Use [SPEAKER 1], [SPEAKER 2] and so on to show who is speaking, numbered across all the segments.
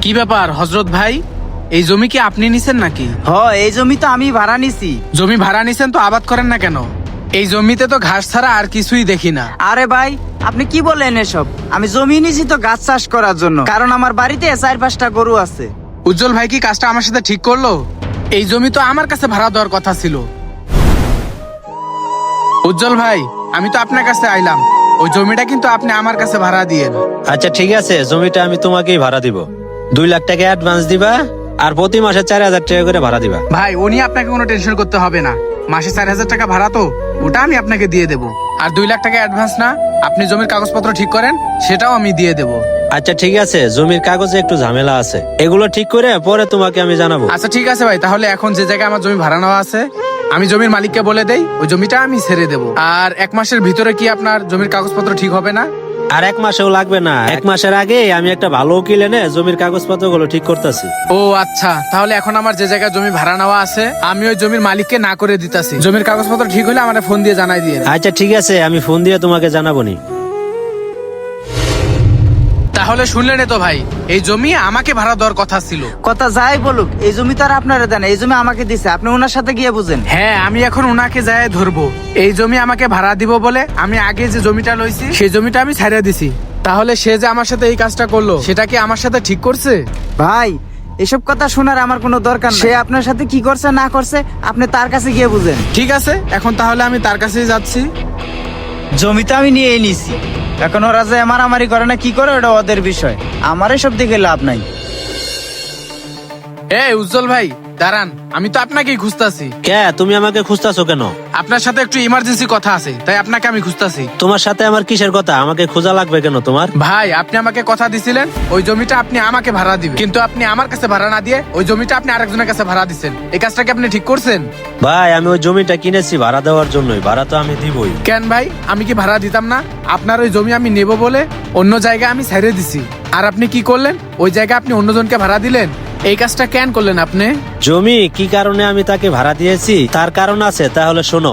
[SPEAKER 1] কি ব্যাপার হযরত ভাই, এই জমি কি আপনি নিছেন নাকি?
[SPEAKER 2] এই জমি তো আমি ভাড়া নিছি।
[SPEAKER 1] জমি ভাড়া নিছেন তো আবাদ করেন না কেন? এই জমিতে তো ঘাস ছাড়া আর কিছুই দেখি না।
[SPEAKER 2] আরে ভাই, আপনি কি বলেন এসব? আমি জমি নিছি তো গাছ চাষ করার জন্য, কারণ আমার বাড়িতে 4-5টা গরু আছে।
[SPEAKER 1] উজ্জ্বল ভাই কি কাজটা আমার সাথে ঠিক করলো? এই জমি তো আমার কাছে ভাড়া দেওয়ার কথা ছিল। উজ্জ্বল ভাই, আমি তো আপনার কাছে আইলাম, ওই জমিটা কিন্তু আপনি আমার কাছে ভাড়া দিয়েন।
[SPEAKER 3] আচ্ছা ঠিক আছে, জমিটা আমি তোমাকেই ভাড়া দিব। 2 লাখ টাকা অ্যাডভান্স দিবা আর প্রতি মাসে 4,000 টাকা করে ভাড়া দিবা।
[SPEAKER 1] ভাই উনি আপনাকে কোনো টেনশন করতে হবে না, মাসে 4,000 টাকা ভাড়া তো ওটা আমি আপনাকে দিয়ে দেবো। আর 2 লাখ টাকা অ্যাডভান্স না, আপনি জমির কাগজপত্র ঠিক করেন, সেটাও আমি দিয়ে দেবো।
[SPEAKER 3] আচ্ছা ঠিক আছে, জমির কাগজে একটু ঝামেলা আছে, এগুলো ঠিক করে পরে তোমাকে আমি জানাবো।
[SPEAKER 1] আচ্ছা ঠিক আছে ভাই, তাহলে এখন যে জায়গায় আমার জমি ভাড়া নেওয়া আছে আমি জমির মালিককে বলে দেই, ওই জমিটা আমি ছেড়ে দেবো। আর 1 মাসের ভিতরে কি আপনার জমির কাগজপত্র ঠিক হবে না?
[SPEAKER 3] আর 1 মাসেও লাগবে না, 1 মাসের আগে আমি একটা ভালো উকিল এনে জমির কাগজপত্র গুলো ঠিক করতেছি।
[SPEAKER 1] ও আচ্ছা, তাহলে এখন আমার যে জায়গায় জমি ভাড়া নেওয়া আছে আমি ওই জমির মালিককে না করে দিতাছি। জমির কাগজপত্র ঠিক হলে আমার ফোন দিয়ে জানাই দিয়ে।
[SPEAKER 3] আচ্ছা ঠিক আছে, আমি ফোন দিয়ে তোমাকে জানাবো নি।
[SPEAKER 1] তাহলে শুনলেন তো ভাই, এই জমি আমাকে ভাড়া দেওয়ার কথা ছিল।
[SPEAKER 2] কথা যাই বলুক, এই জমি তো আর আপনারা দেন, এই জমি আমাকে দিছে, আপনি ওনার সাথে গিয়ে বুঝেন।
[SPEAKER 1] হ্যাঁ, আমি এখন ওনাকে যায় ধরবো। এই জমি আমাকে ভাড়া দিব বলে আমি আগে যে জমিটা লইছি সেই জমিটা আমি ছাড়িয়ে দিছি। তাহলে সে যে আমার সাথে এই কাজটা করলো সেটা কি আমার সাথে ঠিক করছে?
[SPEAKER 2] ভাই, এসব কথা শোনার আমার কোনো দরকার নেই। সে আপনার সাথে কি করছে না করছে আপনি তার কাছে গিয়ে বুঝেন।
[SPEAKER 1] ঠিক আছে, এখন তাহলে আমি তার কাছেই যাচ্ছি।
[SPEAKER 2] জমি তো আমি নিয়েই নিছি, এখন ওরা যে মারামারি করে না কি করে ওটা ওদের বিষয়, আমার এসব দেখে লাভ নাই।
[SPEAKER 1] এই উজ্জ্বল ভাই দাঁড়ান, আমি তো আপনাকেই খুঁজতাছি।
[SPEAKER 3] কে, তুমি আমাকে খুঁজতাছো কেন?
[SPEAKER 1] আপনার সাথে একটু ইমার্জেন্সি কথা আছে, তাই আপনাকে আমি খুঁজতাছি।
[SPEAKER 3] তোমার সাথে আমার কিসের কথা? আমাকে খোঁজা লাগবে কেন তোমার?
[SPEAKER 1] ভাই, আপনি আমাকে কথা দিছিলেন ওই জমিটা আপনি আমাকে ভাড়া দিবেন, কিন্তু আপনি আমার কাছে ভাড়া না দিয়ে ওই জমিটা আপনি আরেকজনের কাছে ভাড়া দিচ্ছেন। এই কাজটা কি আপনি ঠিক করছেন?
[SPEAKER 3] ভাই, আমি ওই জমিটা কিনেছি ভাড়া দেওয়ার জন্যই, ভাড়া তো আমি দিবই।
[SPEAKER 1] কেন ভাই, আমি কি ভাড়া দিতাম না? আপনার ওই জমি আমি নেব বলে অন্য জায়গায় আমি ছেড়ে দিছি, আর আপনি কি করলেন? ওই জায়গায় আপনি অন্যজনকে ভাড়া দিলেন। এই কাজটা কেন করলেন আপনি?
[SPEAKER 3] জমি কি কারণে আমি তাকে ভাড়া দিয়েছি তার কারণ আছে, তাহলে শোনো।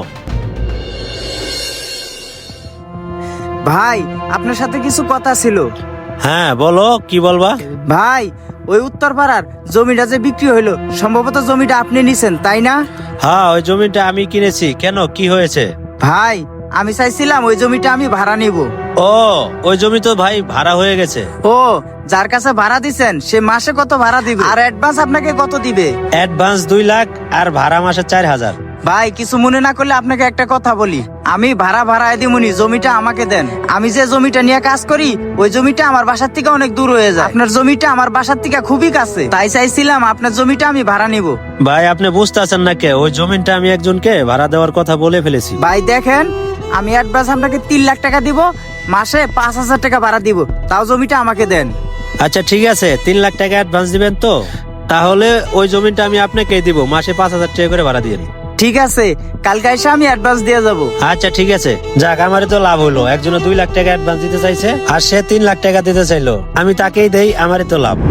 [SPEAKER 2] ভাই, আপনার সাথে কিছু কথা ছিল।
[SPEAKER 3] হ্যাঁ বলো, কি বলবা?
[SPEAKER 2] ভাই, ওই উত্তরপাড়ার জমিটা যে বিক্রি হইলো, সম্ভবত জমিটা আপনি নিছেন তাই না?
[SPEAKER 3] হ্যাঁ, ওই জমিটা আমি কিনেছি। কেন, কি হয়েছে?
[SPEAKER 2] ভাই, আমি চাইছিলাম ওই জমিটা আমি ভাড়া নিব।
[SPEAKER 3] ও, ওই জমি তো ভাই ভাড়া হয়ে গেছে।
[SPEAKER 2] ও, যার কাছে ভাড়া দিছেন সে মাসে কত ভাড়া দিবে আর অ্যাডভান্স আপনাকে কত দিবে?
[SPEAKER 3] অ্যাডভান্স 2 লাখ আর ভাড়া মাসে 4,000।
[SPEAKER 2] ভাই, কিছু মনে না করলে আপনাকে একটা কথা বলি, আমি ভাড়ায় দিমুনি, জমিটা আমাকে দেন। আমি যে জমিটা নিয়ে কাজ করি ওই জমিটা আমার বাসার থেকে অনেক দূর হয়ে যায়, আপনার জমিটা আমার বাসার থেকে খুবই কাছে, তাই চাইছিলাম আপনার জমিটা আমি ভাড়া নিব।
[SPEAKER 3] ভাই, আপনি বুঝতেছেন না কে, ওই জমিটা আমি একজনকে ভাড়া দেওয়ার কথা বলে ফেলেছি।
[SPEAKER 2] ভাই দেখেন, আমি অ্যাডভান্স আপনাকে 3 লাখ টাকা দিব, মাসে 5,000 টাকা ভাড়া দিব, তাও জমিটা আমাকে দেন।
[SPEAKER 3] আচ্ছা ঠিক আছে, 3 লাখ টাকা অ্যাডভান্স দিবেন তো? তাহলে ওই জমিটা আমি আপনাকে দিব, মাসে 5,000 টাকা করে ভাড়া দিয়ে দিন।
[SPEAKER 2] ঠিক আছে, কালকে এসে আমি অ্যাডভান্স দিয়ে যাব।
[SPEAKER 3] আচ্ছা ঠিক আছে, যাক, আমারই তো লাভ হলো। একজনে 2 লাখ টাকা অ্যাডভান্স দিতে চাইছে আর সে 3 লাখ টাকা দিতে চাইলো, আমি তাকেই দেই, আমারই তো লাভ।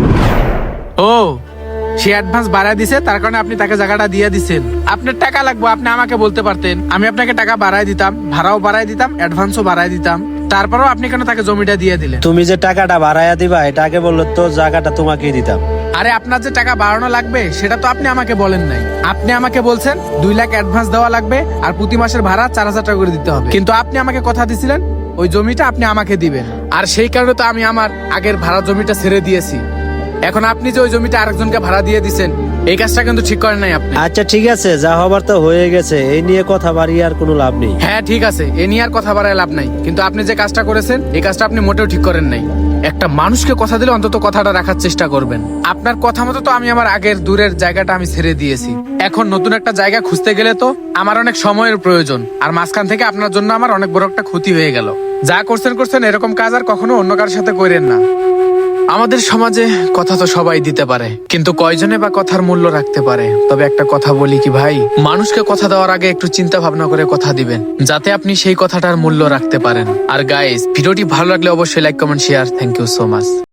[SPEAKER 1] ও, সে অ্যাডভান্স বাড়ায় দিছে, তার কারণে আপনি তাকে জায়গাটা দিয়ে দিচ্ছেন। আপনার টাকা লাগবে, আপনি আমাকে বলতে পারতেন, আমি আপনাকে টাকা বাড়ায় দিতাম, ভাড়াও বাড়ায় দিতাম, অ্যাডভান্সও বাড়ায় দিতাম। তারপরেও আপনি কেন তাকে জমিটা দিয়ে দিলেন?
[SPEAKER 3] তুমি যে টাকাটা বাড়াইয়া দিবা এটা আগে বললো তো জায়গাটা তোমাকেই দিতাম।
[SPEAKER 1] আরে আপনার যে টাকা বাড়ানো লাগবে সেটা তো আপনি আমাকে বলেন নাই। আপনি আমাকে বলছেন 2 লাখ অ্যাডভান্স দেওয়া লাগবে আর প্রতি মাসের ভাড়া 4,000 টাকা করে দিতে হবে, কিন্তু আপনি আমাকে কথা দিছিলেন ওই জমিটা আপনি আমাকে দিবেন, আর সেই কারণে তো আমি আমার আগের ভাড়া জমিটা ছেড়ে দিয়েছি। এখন আপনি যে ওই জমিটা আরেকজনকে ভাড়া দিয়ে দিচ্ছেন, এই কাজটা কিন্তু ঠিক করেন নাই আপনি।
[SPEAKER 3] আচ্ছা ঠিক আছে, যা হবার তো হয়ে গেছে, এই নিয়ে কথা বাড়িয়ে আর কোনো লাভ নেই।
[SPEAKER 1] হ্যাঁ ঠিক আছে, এ নিয়ে আর কথা বাড়ায় লাভ নাই, কিন্তু আপনি যে কাজটা করেছেন এই কাজটা আপনি মোটেও ঠিক করেন নাই। একটা মানুষকে কথা দিলে অন্তত কথাটা রাখার চেষ্টা করবেন। আপনার কথা মতো তো আমি আমার আগের দূরের জায়গাটা আমি ছেড়ে দিয়েছি, এখন নতুন একটা জায়গা খুঁজতে গেলে তো আমার অনেক সময়ের প্রয়োজন, আর মাঝখান থেকে আপনার জন্য আমার অনেক বড় একটা ক্ষতি হয়ে গেল। যা করছেন এরকম কাজ আর কখনো অন্য কারোর সাথে করেন না। আমাদের সমাজে কথা তো সবাই দিতে পারে, কিন্তু কয়জনে বা কথার মূল্য রাখতে পারে? তবে একটা কথা বলি কি ভাই, মানুষকে কথা দেওয়ার আগে একটু চিন্তা ভাবনা করে কথা দিবেন, যাতে আপনি সেই কথাটার মূল্য রাখতে পারেন। আর গাইস, ভিডিওটি ভালো লাগলে অবশ্যই like, comment, share. Thank you so much.